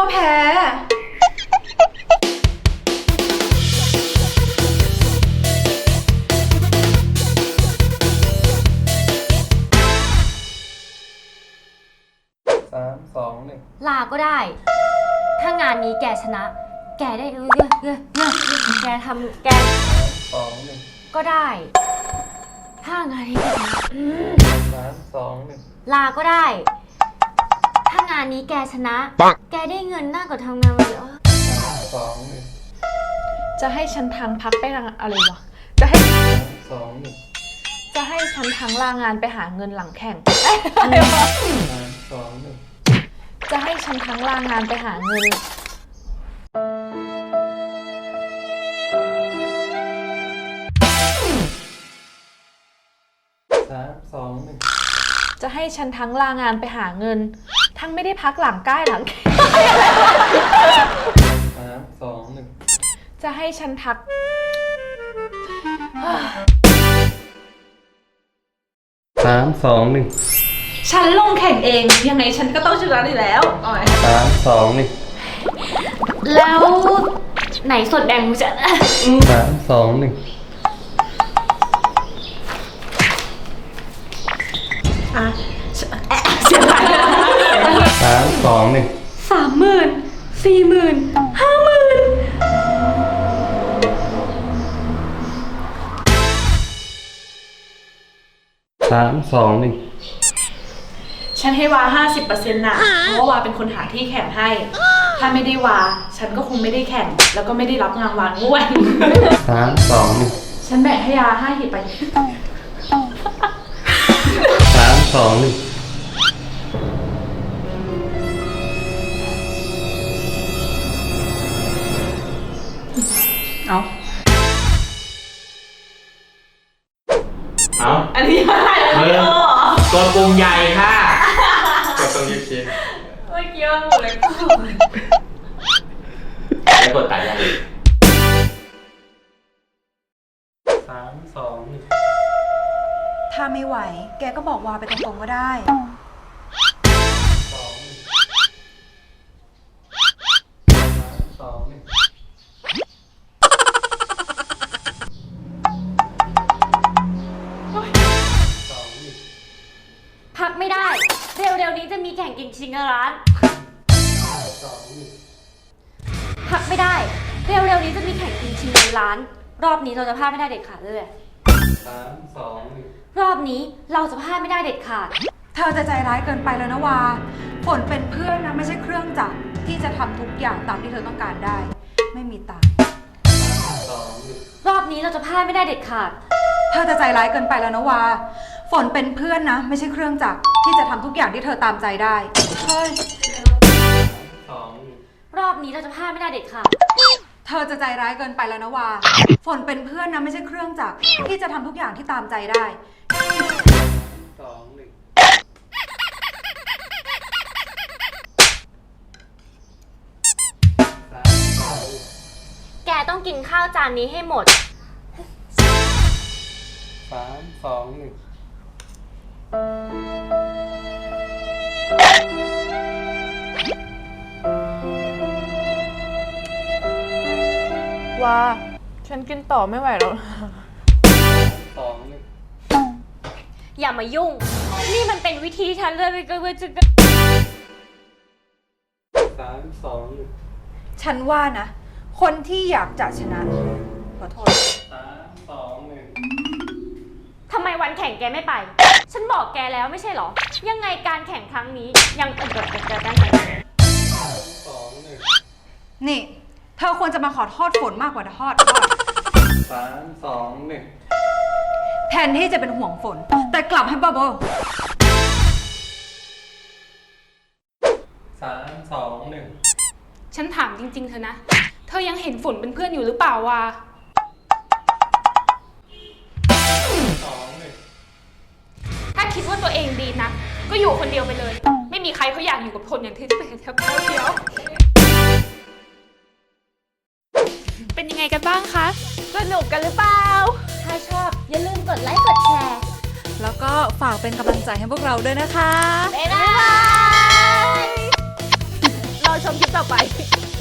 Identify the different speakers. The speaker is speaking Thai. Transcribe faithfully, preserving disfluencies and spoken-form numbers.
Speaker 1: ว่าแพ้
Speaker 2: สามสองหนึ่ง
Speaker 3: ลาก็ได้ ถ้างานนี้แกชนะ แกได้เออเออเออแกทำแก
Speaker 2: สองหนึ่ง
Speaker 3: ก็ได้ ถ้างานนี้แกชนะ
Speaker 2: สามสองหนึ่ง
Speaker 3: ลาก็ได้ ถ้างานนี้แกชนะ แกได้เงินมากกว่าทำงานมาเยอะ
Speaker 2: สามสองหนึ่ง
Speaker 1: จะให้ฉันทั้งพักไปทางอะไรวะจะให้
Speaker 2: สองหนึ่ง
Speaker 1: จะให้ฉันทั้งลางานไปหาเงินหลังแข่ง
Speaker 2: สองหนึ่ง
Speaker 1: จะให้ฉันทั้งลางานไปหาเงิน
Speaker 2: สามสองหนึ่ง
Speaker 1: จะให้ฉันทั้งลางานไปหาเงิน ทั้งไม่ได้พักหลังใกล้หลัง
Speaker 2: สามสองหนึ่ง
Speaker 1: จะให้ฉันทัก
Speaker 2: สามสองหนึ่ง
Speaker 1: ฉันลงแข่งเองยังไงฉันก็ต้องชนะอยู่แล้ว
Speaker 2: สามสองหนึ่ง
Speaker 3: แล้วไหนสดแดงกูจะ
Speaker 2: สามสองหนึ่ง
Speaker 1: อ่ะเสียดาย
Speaker 2: สามสองหนึ่ง
Speaker 1: สามหมื่นสี่หมื่นห้าหมื่น
Speaker 2: สามสองหนึ่ง
Speaker 1: ฉันให้วา ห้าสิบเปอร์เซ็นต์ นะเพราะว่าวาเป็นคนหาที่แข่งให้ถ้าไม่ได้วาฉันก็คงไม่ได้แข่งแล้วก็ไม่ได้รับงานวางด้วย
Speaker 2: สามสองหนึ่ง
Speaker 1: ฉันแบ่งให้ยาห้าหิบไป
Speaker 2: สามสองหนึ่ง
Speaker 1: เอา
Speaker 4: เอา
Speaker 1: อันนี้อะไร
Speaker 4: มึงตัวปุ่มใหญ่ค่ะ
Speaker 2: กดตรงยูคี
Speaker 1: เมื่อกี้มันหมดเลย
Speaker 4: แล้วกดตัดยัง
Speaker 2: สามสองหนึ่ง
Speaker 5: ถ้าไม่ไหวแกก็บอกวาไปตรงๆก็ได้
Speaker 2: สองหนึ่งสองหนึ่ง
Speaker 3: พักไม่ได้เร็วๆนี้จะมีแข่งกินชิงเงินล้านพักไม่ได้เร็วๆนี้จะมีแข่งกินชิงเงินล้านรอบนี้เราจะพลาดไม่ได้เด็ดขาดเลย
Speaker 2: สามสองหนึ่ง
Speaker 3: รอบนี้เราจะพลาดไม่ได้เด็ดขาด
Speaker 5: เธอจะใจร้ายเกินไปแล้วนะวาฝนเป็นเพื่อนนะไม่ใช่เครื่องจักรที่จะทำทุกอย่างตามที่เธอต้องการได้ไม่มีตังค์
Speaker 2: สองหนึ่ง
Speaker 3: รอบนี้เราจะพลาดไม่ได้เด็ดขาด
Speaker 5: เธอจะใจร้ายเกินไปแล้วนะวาฝนเป็นเพื่อนนะไม่ใช่เครื่องจักรที่จะทำทุกอย่างที่เธอตามใจได้เฮ้ย
Speaker 2: สองหนึ่ง
Speaker 3: รอบนี้เราจะพลาดไม่ได้เด็ดขาด
Speaker 5: เธอจะใจร้ายเกินไปแล้วนะวาฝนเป็นเพื่อนนะไม่ใช่เครื่องจักรที่จะทำทุกอย่างที่ตามใจได้
Speaker 2: สองหนึ่งสามสอง
Speaker 3: แกต้องกินข้าวจานนี้ให้หมด
Speaker 2: สามสองหนึ่ง
Speaker 1: ว่าฉันกินต่อไม่ไหวแล้ว
Speaker 2: สองหนึ่ง
Speaker 3: อย่ามายุ่งนี่มันเป็นวิธีฉันเลยไปก็จะ
Speaker 2: สามสองหนึ่ง
Speaker 5: ฉันว่านะคนที่อยากจะชนะขอโทษ
Speaker 2: สามสองหนึ่ง
Speaker 3: ทำไมวันแข่งแกไม่ไปฉันบอกแกแล้วไม่ใช่หรอยังไงการแข่งครั้งนี้ยังเกิดเกิดเกิดการแข่ง
Speaker 2: สองหนึ่ง
Speaker 5: นี่เธอควรจะมาขอโทษฝนมากกว่าทอดทอด
Speaker 2: สามสองหนึ่ง
Speaker 5: แทนที่จะเป็นห่วงฝนแต่กลับให้บ้าบอ
Speaker 2: สามสองหนึ่ง
Speaker 1: ฉันถามจริงๆเธอนะเธอยังเห็นฝนเป็นเพื่อนอยู่หรือเปล่าวะ
Speaker 2: สองหนึ่ง
Speaker 1: ถ้าคิดว่าตัวเองดีนะก็อยู่คนเดียวไปเลยไม่มีใครเขาอยากอยู่กับคนอย่างที่เป็นเท่าเดียวเป็นยังไงกันบ้างคะสนุกกันหรือเปล่า
Speaker 3: ถ้าชอบอย่าลืมกดไลค์กดแชร์
Speaker 5: แล้วก็ฝากเป็นกำลังใจให้พวกเราด้วยนะคะ
Speaker 3: บ๊ายบาย
Speaker 1: รอชมคลิปต่อไป
Speaker 3: ไป